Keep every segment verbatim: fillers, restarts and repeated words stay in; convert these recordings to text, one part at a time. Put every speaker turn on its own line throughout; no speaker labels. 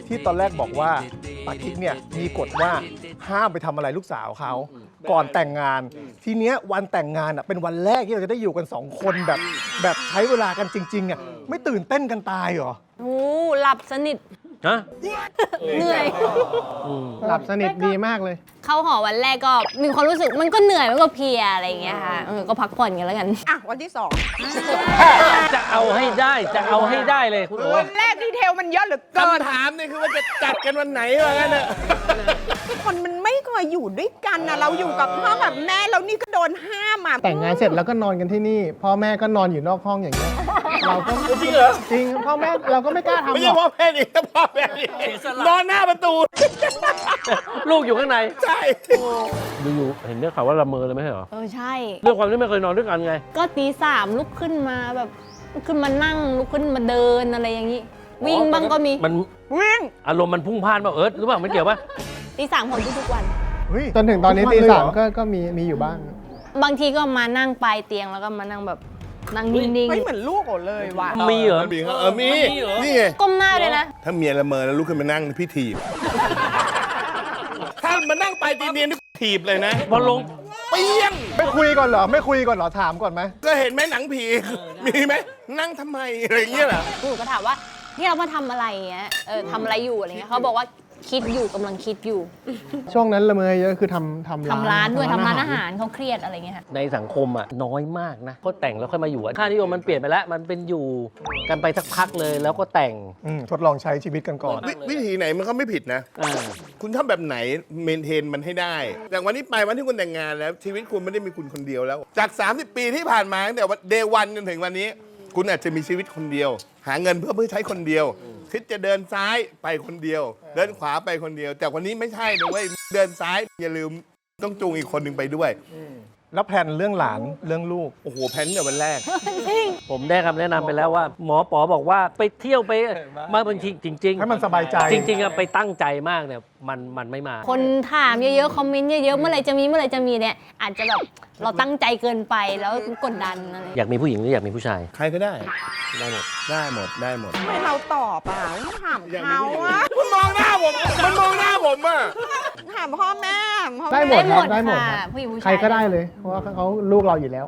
ที่ตอนแรกบอกว่าปากิ๊กเนี่ยมีกฎว่าห้ามไปทำอะไรลูกสาวเขาก่อนแต่งงาน ทีเนี้ยวันแต่งงานอ่ะเป็นวันแรกที่เราจะได้อยู่กันสองคนแบบแบบใช้เวลากันจริงๆอ่ะไม่ตื่นเต้นกันตายเหรอ
โอ้หลับสนิท
ฮะ
เหนื่อย
หลับสนิทดีมากเลย
เข้าหอวันแรกก็มีความรู้สึกมันก็เหนื่อยมันก็เพลียอะไรอย่างเงี้ยค่ะเออก็พักผ่อนกันแล้วกัน
อ่ะวันที่สอง
จะเอาให้ได้จะเอาให้ได้เลยคุณโอ๋
วันแรกดีเทลมันเยอะเหลือเกิน
คำถามนี่คือว่าจะจัดกันวันไหนวะงั้นน่ะ
คนมันไม่เคยอยู่ด้วยกันนะเราอยู่กับพ่อกับแม่แล้วนี่ก็โดนห้ามอ่ะ
แต่งงานเสร็จแล้วก็นอนกันที่นี่ พ่อแม่ก็นอนอยู่นอกห้องอย่างเงี้ยเราก็
จริงเหรอ
จริงพ่อแม่เราก็ไม่กล้าทำ
ไม่
หร
ใช่
อก
พ่อแม่ดิพ่อแม่ดินอนหน้าประตู
ลูกอยู่ข้างใน
ใช่
อยู่ๆเห็นได้ข่าวว่าละเมอเลยไม่ใช่เหรอ
เออใช่
เรื่องความที่ไม่เคยนอนด้วยกันไง
ก็ตีสามลุกขึ้นมาแบบลุกขึ้นมานั่งลุกขึ้นมาเดินอะไรอย่างงี้ วิ่งบ้างก็มี
มัน
วิ่ง
อารมณ์มันพุ่งพ่านป่ะเอิร์ธหรือเปล่าไม่เกี่ยวป่ะ
ตีสามของทุกๆวัน
เฮ้ย
จนถึงตอนนี้
ทุกวั
ตี
เลยเหร
สามก็ก็มีมีอยู่บ้าง
บางทีก็มานั่งปลายเตียงแล้วก็มานั่งแบบนั่งนิ่ง
ไม่เหมือนลูกโอเลยว่ะ
มีเหรอ
มีครับเออมีนี่ไง
ๆก้มหน้าเลยนะ
ถ้าเมียละเมอแล้วลุกขึ้นมานั่งพี่ถีบ ถ้ามานั่งไปตีเนียนนี่ถีบเลยนะ
พอลง
เปี้ยง
ไม่คุยก่อนเหรอไม่คุยก่อนเหรอถามก่อนไหม
ก็เห็นไหมหนังผี มีไหมนั่งทำไมอะไรอย่างเงี้ยเหรอ
หนูก็ถามว่านี่เรามาทำอะไรเงี้ยเออทำอะไรอยู่อะไรเงี้ยเขาบอกว่าคิดอยู่กำลังคิดอยู่
ช่วงนั้นละเมอเยอะคือทำทำร้าน
ทำร้านด้วยทำร้านอาหารเขาเครียดอะไรเงี้ยค่ะ
ในสังคมอ่ะน้อยมากนะก็แต่งแล้วค่อยมาอยู่อะค่านิยมมันเปลี่ยนไปแล้ว มันเป็นอยู่กันไปสักพักเลยแล้วก็แต่ง
อืมทดลองใช้ชีวิตกันก่อน
วิวิธีไหนมันก็ไม่ผิดนะ
อ่า
คุณทำแบบไหนเมนเทนมันให้ได้จากวันนี้ไปวันที่คุณแต่งงานแล้วชีวิตคุณไม่ได้มีคุณคนเดียวแล้ว จาก สามสิบ ปีที่ผ่านมาตั้งแต่เดย์วันจนถึงวันนี้ คุณอาจจะมีชีวิตคนเดียว หาเงินเพื่อเพื่อใช้คนเดียวคิดจะเดินซ้ายไปคนเดียว เดินขวาไปคนเดียว แต่วันนี้ไม่ใช่นะเว้ยเดินซ้ายอย่าลืมต้องจูงอีกคนหนึ่งไปด้วย
แล้วแผนเรื่องหลานเรื่องลูก
โอ้โหแพนเนี่ยวันแรก
ผมได้คำแนะนำไปแล้วว่า หมอปอบอกว่าไปเที่ยวไปมาบางทีจริง ๆ
ให้มันสบายใจ
จริงๆอะไปตั้งใจมากเนี่ยมันมันไม่มา
คนถามเยอะๆ คอมเมนต์เยอะๆ เมื่อไหรจะมีเมื่อไหรจะมีเนี่ยอาจจะแบบเราตั้งใจเกินไปแล้วกดดันอะไร
อยากมีผู้หญิงหรืออยากมีผู้ชาย
ใครก็ได้
ได้หมด
ได้หมดได้หมด
ทำไมเราตอบอ่ะไม่ถามเขาอ่ะ
มันมองหน้าผมมันมองหน้าผมอ่ะ
ถามพ่อแม่พ่อ
ได้หม
แม่
ดครับได้หมด
ค่ะ
ครับ
ผู้หญิงผู้ชาย
ใครก็ได้เลย เพราะว่าเขาลูกเราอยู่แล้ว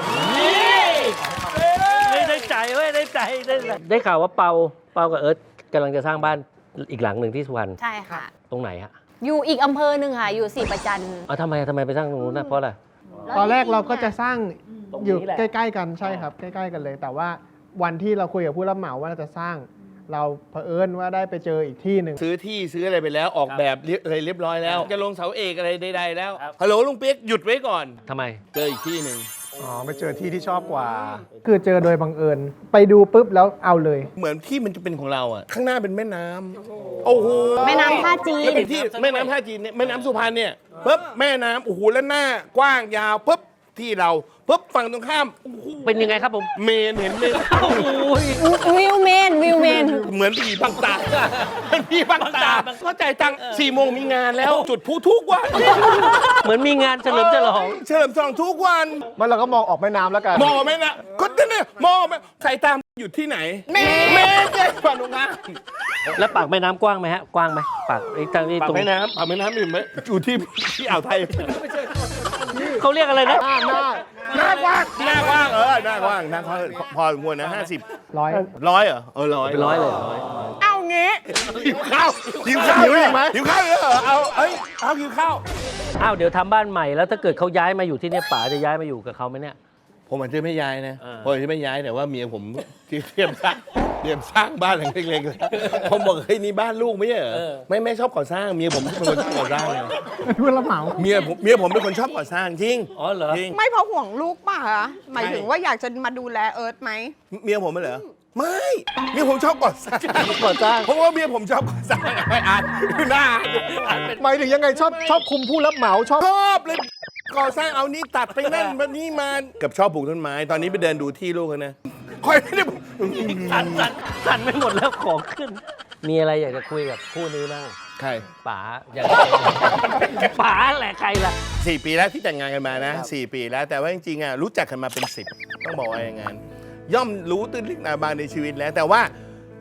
ไม่ได้ใจเว้ยได้ใจได้ใจได้ข่าวว่าเปาเปากับเอิร์ธกำลังจะสร้างบ้านอีกหลังหนึ่งที่สุพรรณ
ใช่ค่ะ
ตรงไหนฮะ
อยู่อีกอำเภอหนึ่งค่ะ อยู่ศรีประจัน
อ๋อทำไมทำไมไปสร้างตรงนู้นนะเพราะอะไร
ตอนแรกเราก็จะสร้าง
ตรงนี้
อยู่
แหละ
ใกล้ ๆ กันใช่ครับ ใกล้ ๆ กันเลย แต่ว่าวันที่เราคุยกับผู้รับเหมาว่าเราจะสร้าง เราเผอิญว่าได้ไปเจออีกที่หนึ่ง
ซื้อที่ซื้ออะไรไปแล้วออกแบบเรียบอะไรเรียบร้อยแล้ว จะลงเสาเอกอะไรใดๆแล้วฮัลโหลลุงเปี๊ยกหยุดไว้ก่อน
ทำไม
เจออีกที่หนึ่ง
อ๋อไปเจอที่ที่ชอบกว่า
คือเจอโดยบังเอิญ ไปดูปุ๊บแล้วเอาเลย
เหมือนที่มันจะเป็นของเราอ่ะข้างหน้าเป็นแม่น้ำโอ้โห
แม่น้ำท่าจีน
แล้วเป็นที่แม่น้ำท่าจีนเนี่ยแม่น้ำสุพรรณเนี่ยปุ๊บแม่น้ำโอ้โหแล้วหน้ากว้างยาวปุ๊บที่เราปุ๊บฝั่งตรงข้ามโอ้โห
เป็นยังไงครับผม
เมนเห็นเมน
โอ้ย
วิวเมนวิวเมน
เหมือนผีบังตาเหมือนผีบังตาเข้าใจตังค์สี่โมงมีงานแล้ว จุดพลุทุกวัน
เหมือนมีงานเฉลิมฉลอง
เฉลิมฉลองทุกวัน
มันเราก็มองออกแม่น้ำแล้วกัน
มองไหมนะก็เนี่ยมองไหมใส่ตามอยู่ที่ไหนเมนเมนเนี่ยฝั่งตรงข้าม
แล้วปากแม่น้ำกว้างไหมฮะ กว้างไหมปากไอ้ทางนี้
ปาก
ตรง
แม่น้ำปากแม่น้ำอยู่ไหมอยู่ที่ที่อ่าวไทย
เขาเรียกอะไรนะ
หน้าหน้า
หน้ากว้างหน้ากว้างเออหน้ากว้างหน้ากว้างพอสมควรนะห้าสิบ
ร้อย
ร้อยเหรอเออร้อย
เป็นร้อยเลย
เอางี้
หิวข้าวหิวข้าว
หิวอีกไหม
หิวข้าวเหรอเอาเอ้ยเอาหิวข้าว
อ้าวเดี๋ยวทำบ้านใหม่แล้วถ้าเกิดเขาย้ายมาอยู่ที่เนี่ยป๋าจะย้ายมาอยู่กับเขาไหมเนี่ย
ผมอาจจะไม่ย้ายนะ
เออ
ผมอาจจะไม่ย้ายแต่ว่าเมียผมที่เตรียมสร้างเตรียมสร้างบ้านหลังเล็กๆเลยผมบอกเฮ้ยนี่บ้านลูกไม่ใช่เหรอไม่ไม่ชอบก่อสร้างเมียผมเป็นคนชอบก่อสร้างไง
ผู้รับเหมา
เมียผมเมียผมเป็นคนชอบก่อสร้างจริง
อ๋อเหรอ
จริง
ไม่เพราะห่วงลูกป่ะคะหมายถึงว่าอยากจะมาดูแลเอิร์ธไหม
เมียผมไม่เหรอไม่เมียผมชอบก่อสร้าง
ก่อสร้าง
เพราะว่าเมียผมชอบก่อสร้างไม่อ่านหน้าอ่านเป็น
หมายถึงยังไงชอบชอบคุมผู้รับเหมาชอบ
ชอบเลยก่อสร้างเอานี้ตัดไปนั่นแบบนี้มากับชอบปลูกต้นไม้ ตอนนี้ไปเดินดูที่ลูกกันนะคอยไม่ได้
สั่นสั่นสั่นไม่หมดแล้วของขึ้น มีอะไรอยากจะคุยกับคู่นี้บ้าง
ใคร
ป๋าอยากจะป๋าแหละใครล่ะ
สี่ปีแล้วที่แต่งงานกันมานะสี่ปีแล้วแต่ว่าจริงๆอ่ะรู้จักกันมาเป็นสิบต้องบอกว่าอย่างงั้นย่อมรู้ตื้นลึกหนาบางในชีวิตแล้ว แต่ว่า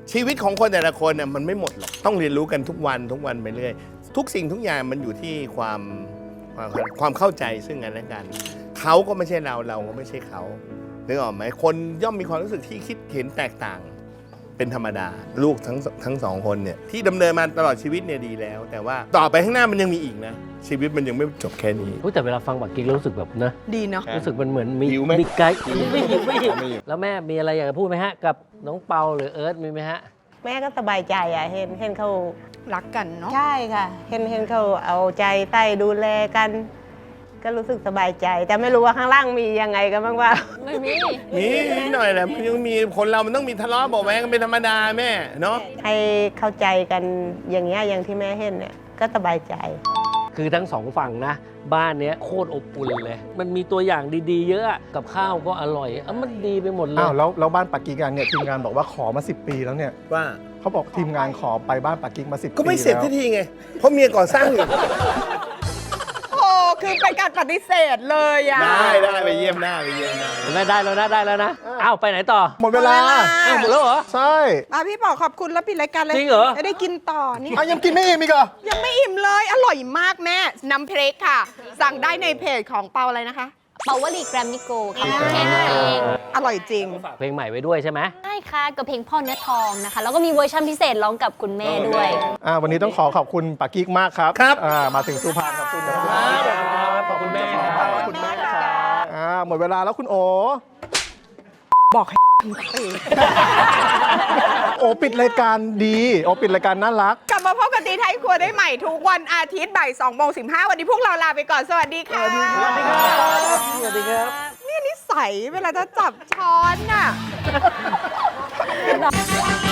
ชีวิตของคนแต่ละคนน่ะมันไม่หมดหรอกต้องเรียนรู้กันทุกวันทุกวันไปเรื่อยทุกสิ่งทุกอย่างมันอยู่ที่ความความความเข้าใจซึ่งกันและกันเขาก็ไม่ใช่เราเราก็ไม่ใช่เขานึกออกไหมคนย่อมมีความรู้สึกที่คิดเห็นแตกต่างเป็นธรรมดาลูกทั้งทั้งสองคนเนี่ยที่ดำเนินมาตลอดชีวิตเนี่ยดีแล้ว แต่ว่าต่อไปข้างหน้ามันยังมีอีกนะชีวิตมันยังไม่จบแค่นี้
อุ๊ยแต่เวลาฟังบักกิ๊กแล้วรู้สึกแบบนะ
ดีเนาะ
รู้สึกมันเหมือนมี
หิวไหม
มีไกด์ไม่หิวไม่หิวแล้วแม่มีอะไรอยากจะพูดไหมฮะ กับน้องเปาหรือเอิร์ธมีไหมฮะ
แม่ก็สบายใจอ่ะเห็นเห็นเขา
รักกันเนาะ
ใช่ค่ะ เห็นเห็นเขาเอาใจใต้ดูแลกัน ก็รู้สึกสบายใจ แต่ไม่รู้ว่าข้างล่างมียังไงกันบ้างว่า
ไม่มี
มีนิดหน่อยแหละมันยังมีคนเรามันต้องมีทะเลาะเบาะแว้งกันเป็นธรรมดาแม่เนาะ
ให้เข้าใจกันอย่างเงี้ยอย่างที่แม่เห็นเนี่ยก็สบายใจ
คือทั้งสองฝั่งนะ บ้านเนี้ยโคตรอบอุ่นเลย มันมีตัวอย่างดีๆ เยอะอะกับข้าวก็อร่อยอ่ะมันดีไปหมดเลย
อ้าวแล้วแล้วบ้านปักกิ่งกันเนี่ยทีมงานบอกว่าขอมาสิบปีแล้วเนี่ย
ว่า
เขาบอกทีมงานขอไปบ้านปักกิ่งมาสิบปี
ก็ไม่เสร็จ
แล้ว
ทีทีไงเพราะเมียก่อสร้างอยู่
โอ้คือเป็นการปฏิเสธเลยอ่ะ
ได้ได้ไปเยี่ยมหน้าไปเยี่ยมหน้า
ได้ได้แล้วนะได้แล้วนะ อ้าวไปไหนต่อ
หมดเวลา
หมดเวลา
อ้าวหมดแล้วเหรอ
ใช่
อ่ะพี่ป๋อขอบคุณแล้วปิดรายการเลย
จริงเหรอ
จะได้กินต่อนี่
อ่ะยังกินไม่อิ่มอีกเหรอ
ยังไม่อิ่มเลย อร่อยมากแม่ น้ำพริกค่ะ สั่งได้ในเพจของเปาอะไรนะคะ
เปาวลีแกรมมิโกค่ะแค่นั้นเอง
อร่อยจริง
เพลงใหม่ไว้ด้วยใช่ไหม
ใช่ค่ะกับเพลงพ่อเนื้อทองนะคะ แล้วก็มีเวอร์ชันพิเศษร้องกับคุณแม่ด้วย
อ่าวันนี้ต้องขอขอบคุณปักกิ่งมากครับ
ครับ
อ่ามาถึงสุพรรณขอบคุณนะครับ
ขอบคุณแม่
ขอบคุณแม่ครับอ่าหมดเวลาแล้วคุณโอ
บอกให้
โอปิดรายการดี โอปิดรายการน่ารัก
กลับมาพบกันตีไทยครัวได้ใหม่ทุกวันอาทิตย์บ่ายสองโมงสิบห้าวันนี้พวกเราลาไปก่อน สวัสดีค่ะ สวัสดีครับ
สวัสดีครับ
เนี่ยนิสัยเวลาจะจับช้อนน่ะ